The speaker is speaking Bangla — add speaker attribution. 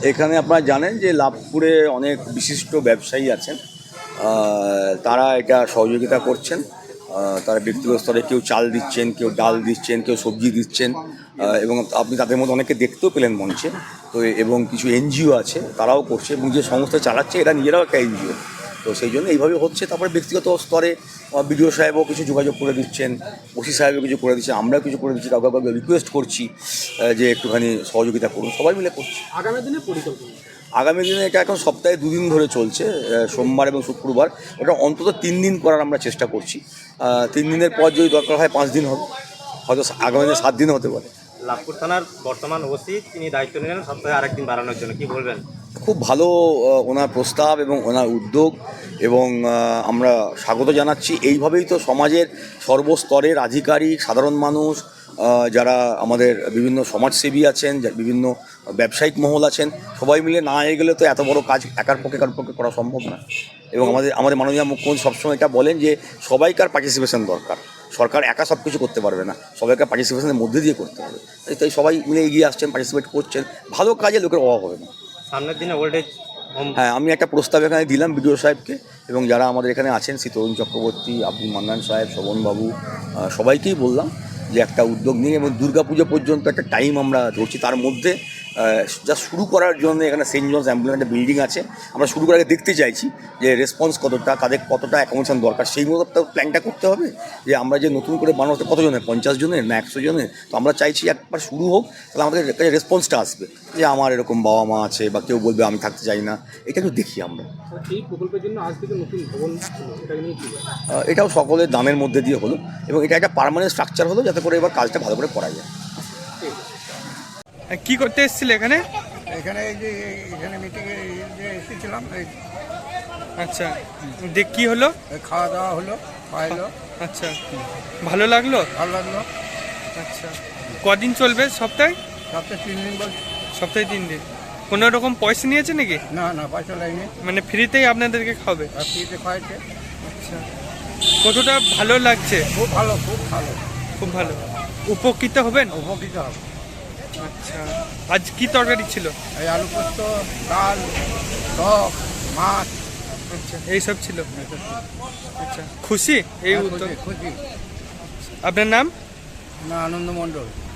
Speaker 1: এখানে আপনারা জানেন যে লাভপুরে অনেক বিশিষ্ট ব্যবসায়ী আছেন, তারা এটা সহযোগিতা করছেন। তারা ব্যক্তিগত স্তরে কেউ চাল দিচ্ছেন, কেউ ডাল দিচ্ছেন, কেউ সবজি দিচ্ছেন, এবং আপনি তাদের মধ্যে অনেকে দেখতেও পেলেন মঞ্চে। তো এবং কিছু এনজিও আছে, তারাও করছে, এবং যে সংস্থা চালাচ্ছে এরা নিজেরাও একটা এনজিও। তো সেই জন্য এইভাবে হচ্ছে। তারপরে ব্যক্তিগত স্তরে বিডিও সাহেবও কিছু যোগাযোগ করে দিচ্ছেন, ওসি সাহেবও কিছু করে দিচ্ছেন, আমরাও কিছু করে দিচ্ছি, কাউকে কাউকে রিকোয়েস্ট করছি যে একটুখানি সহযোগিতা করুন, সবাই মিলে করছি।
Speaker 2: আগামী দিনে পরিকল্পনা,
Speaker 1: আগামী দিনে এটা এখন সপ্তাহে 2 দিন ধরে চলছে, সোমবার এবং শুক্রবার। ওটা অন্তত 3 দিন করার আমরা চেষ্টা করছি। 3 দিনের পর যদি দরকার হয় 5 দিন হবে, হয়তো আগামী দিনে 7 দিন হতে পারে।
Speaker 3: লাভপুর থানার বর্তমান ওসি তিনি দায়িত্ব নিলেন সপ্তাহে আরেকদিন বাড়ানোর জন্য, কি বলবেন?
Speaker 1: খুব ভালো ওনার প্রস্তাব এবং ওনার উদ্যোগ, এবং আমরা স্বাগত জানাচ্ছি। এইভাবেই তো সমাজের সর্বস্তরের আধিকারিক, সাধারণ মানুষ, যারা আমাদের বিভিন্ন সমাজসেবী আছেন, বিভিন্ন ব্যবসায়িক মহল আছেন, সবাই মিলে না এগোলে তো এত বড় কাজ একার পক্ষে করা সম্ভব না। এবং আমাদের মাননীয় মুখ্যমন্ত্রী সবসময় এটা বলেন যে সবাইকার পার্টিসিপেশন দরকার, সরকার একা সব কিছু করতে পারবে না, সবাইকার পার্টিসিপেশনের মধ্যে দিয়ে করতে হবে। তাই সবাই মিলে এগিয়ে আসছেন, পার্টিসিপেট করছেন, ভালো কাজে লোকের অভাব হবে না।
Speaker 3: সামনের দিনে ওল্ড এজ হোম,
Speaker 1: হ্যাঁ, আমি একটা প্রস্তাব এখানে দিলাম বিডিও সাহেবকে, এবং যারা আমাদের এখানে আছেন, শ্রী তরুণ চক্রবর্তী, আব্দুল মান্নান সাহেব, শোভনবাবু, সবাইকেই বললাম যে একটা উদ্যোগ নিয়ে, এবং দুর্গাপুজো পর্যন্ত একটা টাইম আমরা ধরছি। তার মধ্যে যা শুরু করার জন্য এখানে সেন্ট জনস অ্যাম্বুলেন্স একটা বিল্ডিং আছে, আমরা শুরু করে আগে দেখতে চাইছি যে রেসপন্স কতটা, তাদের কতটা অ্যাকোমোডেশন দরকার, সেই মতো প্ল্যানটা করতে হবে। যে আমরা যে নতুন করে বানাতে কতজনের, 50 জনের না 100 জনের, তো আমরা চাইছি একবার শুরু হোক, তাহলে আমাদের কাছে রেসপন্সটা আসবে যে আমার এরকম বাবা মা আছে, বা কেউ বলবে আমি থাকতে চাই না। এটা একটু দেখি আমরা।
Speaker 2: এই প্রকল্পের জন্য আজ থেকে নতুন ভবন, এটা নিয়ে কি
Speaker 1: এটাও সকলের দানের মধ্যে দিয়ে হলো, এবং এটা একটা পার্মানেন্ট স্ট্রাকচার হলো, যাতে করে এবার কাজটা ভালো করে করা যায়।
Speaker 4: কি করতে এসেছিল এখানে?
Speaker 5: এখানে এই যে এখানে মিটিংয়ে এসেছিলাম,
Speaker 4: আচ্ছা, দেখ কি হলো?
Speaker 5: খাওয়া দাওয়া হলো, খাওয়াইলো।
Speaker 4: আচ্ছা, ভালো লাগলো?
Speaker 5: ভালো লাগলো।
Speaker 4: আচ্ছা, কদিন চলবে? সপ্তাহে?
Speaker 5: সপ্তাহে 3 দিন বলছি।
Speaker 4: সপ্তাহে 3 দিন। কোনো রকম পয়সা নিয়েছে নাকি?
Speaker 5: না না, পয়সা লাগেনি,
Speaker 4: মানে ফ্রিতেই আপনাদেরকে খাবে?
Speaker 5: আর ফ্রিতে খাওয়াইছে।
Speaker 4: আচ্ছা, কতটা ভালো লাগছে?
Speaker 5: খুব ভালো, খুব ভালো,
Speaker 4: খুব ভালো। উপকৃত হবেন?
Speaker 5: উপকৃত হবে।
Speaker 4: আচ্ছা, আজ কি তরকারি ছিল?
Speaker 5: এই আলু পোস্ত, ডাল, টক, মাছ,
Speaker 4: আচ্ছা, এইসব ছিল। আচ্ছা, খুশি এই উদ্যোগ?
Speaker 5: খুশি।
Speaker 4: আপনার নাম?
Speaker 5: না, আনন্দ মণ্ডল।